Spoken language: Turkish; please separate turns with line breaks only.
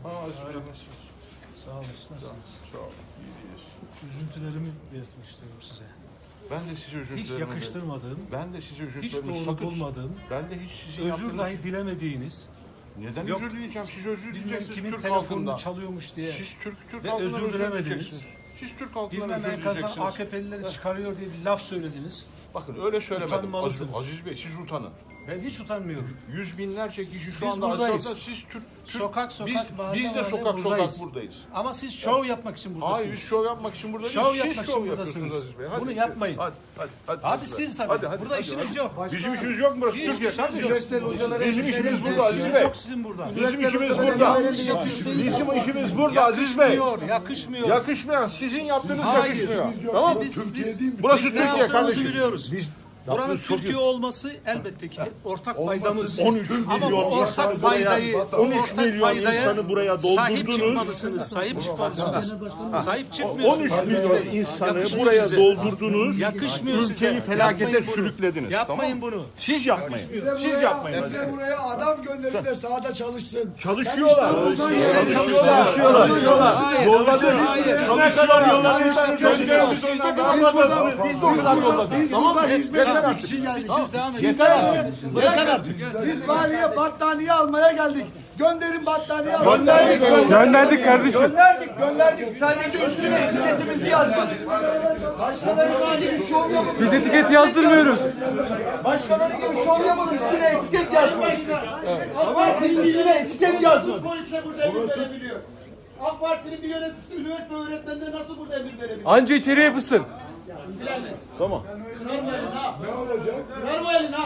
Sağ olun. Nasılsınız?
Sağ ol. İyiyiz.
Üzüntülerimi belirtmek istiyorum size.
Ben de size üzüntülerimi...
Hiç yakıştırmadığım,
Ben de size
hiç
üzüntülerimi
doğru bulmadığım,
Ben de hiç sizin
özür
yaptığınız...
dahi dilemediğiniz,
Neden
Yok,
özür dileyeceğim? Siz özür
bilmem
dileyeceksiniz
kimin
Türk
telefonunu
halkından.
çalıyormuş diye,
Siz Türk
ve
halkından
özür
özür
dilemediniz.
dileyeceksiniz. Siz Türk halkından
bilmem
özür
enkazdan
dileyeceksiniz.
AKP'lileri çıkarıyor diye bir laf söylediniz.
Bakın öyle söylemedim.
Utanmalısınız.
Aziz Bey siz utanın.
Ben hiç utanmıyorum.
Yüz binlerce kişi şu
Biz
anda
buradayız.
Aziz'de siz Türk...
Sokak sokak, mahalle
biz de
mahalle
sokak
buradayız.
buradayız.
Ama siz şov yapmak için buradasınız.
Hayır biz şov yapmak için buradayız.
Şov
Siz
yapmak
şov
için
yapıyorsunuz
buradasınız.
Aziz Bey.
Bunu yapmayın.
Hadi
Abi siz tabii. Burada işiniz yok.
Bizim işimiz yok mu burası?
Hiç
Türkiye
işiniz
kardeşim.
yok.
Bizim işimiz burada Aziz
İşiniz
Bey.
yok sizin burada.
Bizim işimiz burada. Bizim işimiz burada Aziz Bey.
Yakışmıyor, yakışmıyor.
Yakışmayan sizin yaptığınız
Hayır.
yakışmıyor. Tamam mı?
biz
Burası
ne
Türkiye
yaptığımızı
kardeşim.
biliyoruz.
Biz
Buranın
yaptığımız çok
Türkiye
iyi.
olması elbette ki ortak paydamız.
13
Ama bu
milyon
ortak
insan
paydayı,
buraya, 13 milyon insanı buraya
sahip
doldurdunuz.
çıkmalısınız, sahip çıkmalısınız. Sahip çıkmıyorsunuz.
13 milyon insanı
Yakışmıyor
buraya
size.
doldurdunuz.
Yakışmıyor
Ülkeyi
size.
felakete
Yapmayın bunu.
sürüklediniz.
Yapmayın
tamam mı?
bunu.
Siz yapmayın. Siz yapmayın.
Bize buraya adam gönderin de sahada çalışsın.
Çalışıyorlar.
Çalışıyorlar.
Çalışıyorlar. Yolladık. Çalışıyorlar. Yolladık. Gönderimiz ondan daha fazlasını biz de o kadar yolladık.
Biz
Tamam mı?
burada hizmet
Yeter
etmek
artık.
için geldik.
Siz devam edin.
Yeter artık. Yeter artık.
Biz valiye battaniye almaya geldik. Gönderin battaniye almaya.
Gönderdik kardeşim. Gönderdik. Sadece üstüne etiketimizi yazmadık.
Başkaları gibi şov yapın.
Biz etiket yazdırmıyoruz.
Başkaları gibi şov yapın üstüne etiket yazmayın. Ama biz üstüne etiket yazmadık.
Polise burada emir verebiliyor. AK Parti'nin bir yöneticisi üniversite öğretmenine nasıl burada emir verebiliyor?
Anca içeriye yapışsın.
Kırar mı elini ha? Ne olacak? Kırar mı elini ha?